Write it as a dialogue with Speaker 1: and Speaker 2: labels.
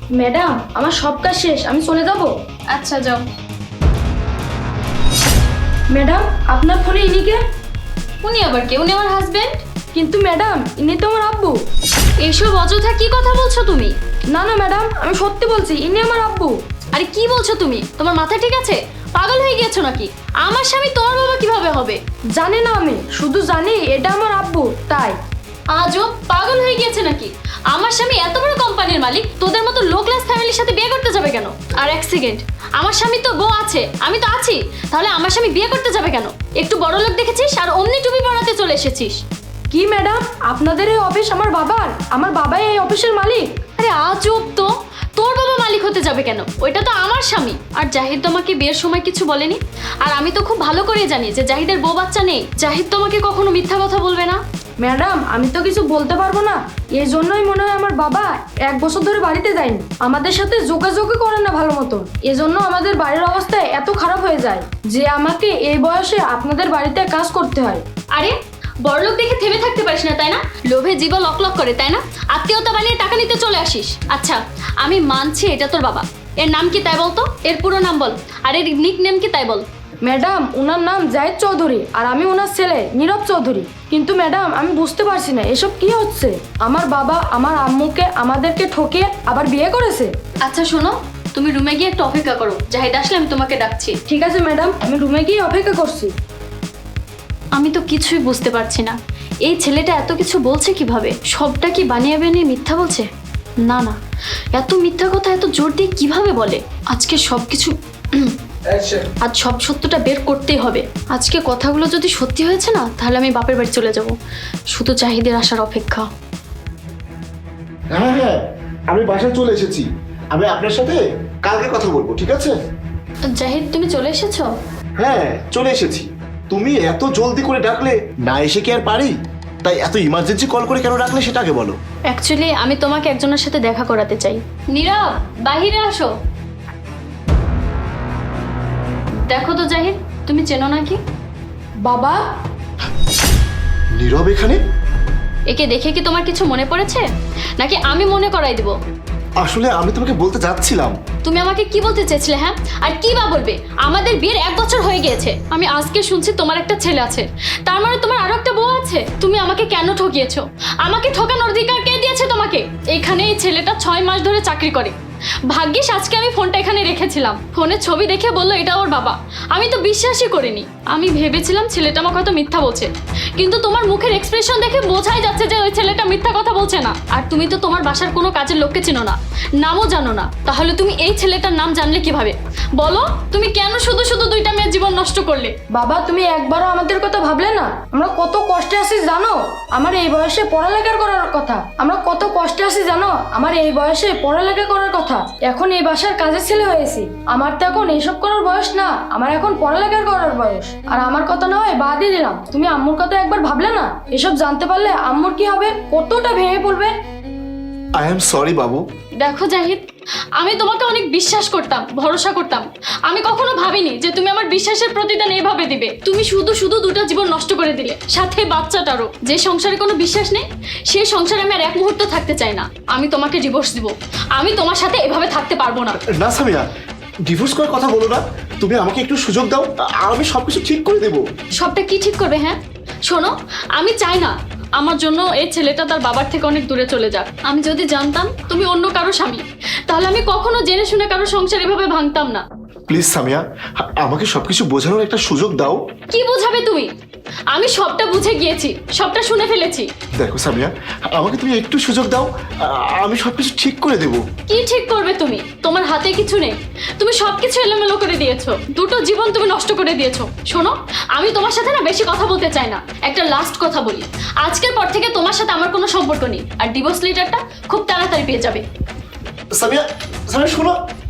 Speaker 1: Madam আমার সব কাজ শেষ, আমি চলে যাব।
Speaker 2: আচ্ছা যাও।
Speaker 1: ম্যাডাম আপনার ফোনে ইনিকে?
Speaker 2: উনি আবার কে? উনি আমার হাজবেন্ড।
Speaker 1: কিন্তু ম্যাডাম ইনি তো আমার আব্বু।
Speaker 2: এইসব অযথা কি কথা বলছো তুমি?
Speaker 1: না না ম্যাডাম, আমি সত্যি বলছি, ইনি আমার আব্বু।
Speaker 2: আরে কি বলছো তুমি? তোমার মাথা ঠিক আছে? পাগল হয়ে গেছো নাকি? আমার স্বামী তোমার বাবা কিভাবে হবে?
Speaker 1: জানি না, আমি শুধু জানি এটা আমার আব্বু, তাই।
Speaker 2: আজও পাগল হয়ে গিয়েছে নাকি? আমার স্বামী এত বড় কোম্পানির মালিক, তোদের মতো লো ক্লাস ফ্যামিলির সাথে বিয়ে করতে যাবে কেন? আর এক সেকেন্ড, আমার স্বামী তো বউ আছে, আমি তো আছি, তাহলে আমার স্বামী বিয়ে করতে যাবে কেন? একটু বড় লোক দেখেছিস আর অমনি টুপি পরাতে চলে এসেছিস।
Speaker 1: কি ম্যাডাম, আপনাদের এই অফিস আমার বাবার? আমার বাবাই এই অফিসের মালিক?
Speaker 2: আরে আজব তো, তোর বাবা মালিক হতে যাবে কেন? ওইটা তো আমার স্বামী। আর জাহিদ তোমাকে বিয়ের সময় কিছু বলেনি? আর আমি তো খুব ভালো করে জানি যে জাহিদের বউ বাচ্চা নেই। জাহিদ তোমাকে কখনো মিথ্যা কথা বলবে না।
Speaker 1: ম্যাডাম আমি তো কিছু বলতে পারবো না, এই জন্যই মনে হয় আমার বাবা 1 বছর ধরে বাড়িতে যায়নি, আমাদের সাথে যোগাযোগই করে না ভালো মতো। এজন্য আমাদের বাড়ির অবস্থা এত খারাপ হয়ে যায় যে আমাকে এই বয়সে আপনাদের বাড়িতে কাজ করতে হয়।
Speaker 2: আরে বড়লোক দেখে থেমে থাকতে পারিস না তাই না? লোভে জীবন লক লক করে তাই না? আত্মীয়তা বানিয়ে টাকা নিতে চলে আসিস। আচ্ছা আমি মানছি এটা তোর বাবা, এর নাম কি তাই বলতো? এর পুরো নাম বল, আর এর নিক নেম কি তাই বল।
Speaker 1: ম্যাডাম ওনার নাম জাহিদ চৌধুরী আর আমি ওনার ছেলে নীরব চৌধুরী। কিন্তু ম্যাডাম আমি বুঝতে পারছি না এসব কি হচ্ছে। আমার বাবা আমার আম্মুকে আমাদেরকে ঠকিয়ে আবার বিয়ে করেছে।
Speaker 2: আচ্ছা শোনো, তুমি রুমে গিয়ে একটু অপেক্ষা করো, জাহিদ আসলে আমি তোমাকে ডাকছি।
Speaker 1: ঠিক আছে ম্যাডাম, আমি রুমে গিয়ে অপেক্ষা করছি।
Speaker 2: আমি তো কিছুই বুঝতে পারছি না, এই ছেলেটা এত কিছু বলছে কিভাবে? সবটা কি বানিয়ে বানিয়ে মিথ্যা বলছে? না না, এত মিথ্যা কথা এত জোর দিয়ে কিভাবে বলে? আজকে সবকিছু আজ সব সত্যটা বের করতেই হবে। আজকে কথাগুলো যদি সত্যি হয়েছে না, তাহলে আমি বাপের বাড়ি চলে যাব। শুধু জাহিদের আসার অপেক্ষা।
Speaker 3: হ্যাঁ হ্যাঁ, আমি বাসায় চলে এসেছি। আমি আপনার সাথে কালকে কথা বলবো, ঠিক আছে?
Speaker 2: জাহিদ তুমি চলে এসেছো?
Speaker 3: হ্যাঁ চলে এসেছি। তুমি এত জলদি করে ডাকলে না এসে কি আর পারি? তাই এত ইমার্জেন্সি কল করে কেন ডাকলে সেটা আগে বলো।
Speaker 2: অ্যাকচুয়ালি আমি তোমাকে একজনের সাথে দেখা করাতে চাই। নীরব বাহিরে আসো। দেখো তো জাহিদ, তুমি চেনো নাকি?
Speaker 1: বাবা
Speaker 3: নীরব এখানে?
Speaker 2: একে দেখে কি তোমার কিছু মনে পড়েছে, নাকি আমি মনে করাই দেব?
Speaker 3: আসলে আমি তোমাকে বলতে যাচ্ছিলাম।
Speaker 2: তুমি আমাকে কি বলতে চেয়েছিলে? হ্যাঁ, আর কি বা বলবে? আমাদের বিয়ের 1 বছর হয়ে গিয়েছে, আমি আজকে শুনছি তোমার একটা ছেলে আছে, তার মানে তোমার আরো একটা বউ আছে। তুমি আমাকে কেন ঠকিয়েছো? আমাকে ঠকানোর অধিকার কে দিয়েছে তোমাকে? এখানে এই ছেলেটা 6 মাস ধরে চাকরি করে। ভাগ্যিস আজকে আমি ফোনটা এখানে রেখেছিলাম, ফোনে ছবি দেখে বললো এটা ওর বাবা। আমি তো বিশ্বাসই করিনি, আমি ভেবেছিলাম ছেলেটা আমাকে হয়তো মিথ্যা বলছে, কিন্তু তোমার মুখের এক্সপ্রেশন দেখে বোঝাই যাচ্ছে যে ওই ছেলেটা মিথ্যা কথা বলছে না। আর তুমি তো তোমার বাসার কোনো কাজের লোককে চিনো না, নামও জানো না, তাহলে তুমি এই ছেলেটার নাম জানলে কিভাবে? বলো, তুমি কেন শুধু শুধু 2টা মেয়ের জীবন নষ্ট করলে?
Speaker 1: বাবা তুমি একবারও আমাদের কথা ভাবলে না? আমরা কত কষ্টে আছি জানো? আমার এই বয়সে পড়ালেখা করার কথা, আমরা কত কষ্টে আছি জানো? আমার এই বয়সে পড়ালেখা করার কথা, এখন এই বাসার কাজের ছেলে হয়েছি। আমার তো এখন এইসব করার বয়স না, আমার এখন পড়ালেখা করার বয়স। আর আমার কথা না হয় বাদই দিলাম, তুমি আম্মুর কথা একবার ভাবলে না? এসব জানতে পারলে আম্মুর কি হবে, কতটা ভেঙে পড়বে।
Speaker 3: আই এম সরি বাবু।
Speaker 2: দেখো জাহিদ, আমি তোমাকে অনেক বিশ্বাস করতাম, ভরসা করতাম। আমি কখনো ভাবিনি যে তুমি আমার বিশ্বাসের প্রতিদান এভাবে দিবে। তুমি শুধু শুধু 2টা জীবন নষ্ট করে দিলে, সাথে বাচ্চাটারও। যে সংসারে কোনো বিশ্বাস নেই, সেই সংসারে আমি আর 1 মুহূর্ত থাকতে চাই না। আমি তোমাকে ডিভোর্স দিব, আমি তোমার সাথে এভাবে থাকতে পারবো না।
Speaker 3: না সামিয়া, ডিভোর্স করার কথা বলো না। তুমি আমাকে একটু সুযোগ দাও, আমি সবকিছু ঠিক করে দেবো।
Speaker 2: সবটা কি ঠিক করবে? হ্যাঁ শোনো, আমি চাই না আমার জন্য এই ছেলেটা তার বাবার থেকে অনেক দূরে চলে যাক। আমি যদি জানতাম তুমি অন্য কারো স্বামী, তাহলে আমি কখনো জেনে শুনে কারো সংসার এভাবে ভাঙতাম না।
Speaker 3: প্লিজ সামিয়া, আমাকে সবকিছু বোঝানোর একটা সুযোগ দাও।
Speaker 2: কি বোঝাবে তুমি? আমি সবটা বুঝে গিয়েছি, সবটা শুনে ফেলেছি।
Speaker 3: দেখো সামিয়া, আমাকে তুমি একটু সুযোগ দাও, আমি সবকিছু ঠিক করে দেবো।
Speaker 2: কি ঠিক করবে তুমি? তোমার হাতে কিছু নেই, তুমি সবকিছু এলোমেলো করে দিয়েছো, 2টো জীবন তুমি নষ্ট করে দিয়েছো। শোনো, আমি তোমার সাথে না বেশি কথা বলতে চাই না। একটা লাস্ট কথা বলি, আজকের পর থেকে তোমার সাথে আমার কোনো সম্পর্ক নেই, আর ডিভোর্স লেটারটা খুব তাড়াতাড়ি পেয়ে যাবে।
Speaker 3: সামিয়া, সামিয়া শোনো।